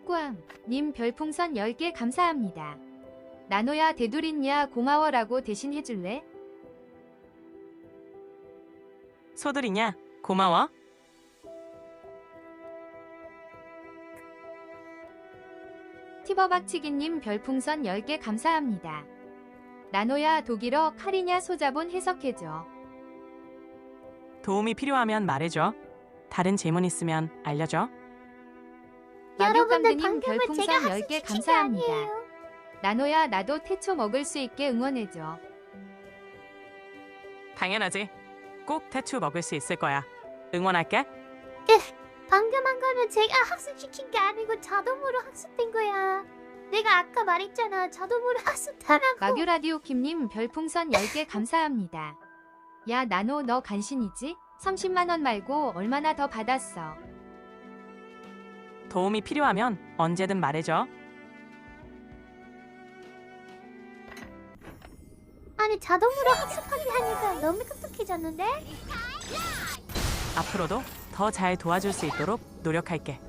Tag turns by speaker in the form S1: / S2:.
S1: 꾸꾸왕님 별풍선 10개 감사합니다. 나노야 대두린야 고마워라고 대신 해줄래?
S2: 소들이냐? 고마워.
S1: 티버박치기님 별풍선 10개 감사합니다. 나노야 독일어 칼이냐 소자본 해석해줘.
S2: 도움이 필요하면 말해줘. 다른 질문 있으면 알려줘.
S3: 여러분들
S1: 마교감드님
S3: 방금은
S1: 별풍선
S3: 제가
S1: 10개
S3: 학습시킨 게
S1: 감사합니다.
S3: 아니에요.
S1: 나노야 나도 태초 먹을 수 있게 응원해줘.
S2: 당연하지. 꼭 태추 먹을 수 있을 거야. 응원할게.
S3: 방금 한 거는 제가 학습시킨 게 아니고 자동으로 학습된 거야. 내가 아까 말했잖아. 자동으로 학습하라고.
S1: 마규라디오킴님 별풍선 10개 감사합니다. 야 나노 너 간신이지? 30만원 말고 얼마나 더 받았어?
S2: 도움이 필요하면 언제든 말해줘.
S3: 아니 자동으로 학습하게 하니까 너무 똑똑해졌는데?
S2: 앞으로도 더 잘 도와줄 수 있도록 노력할게.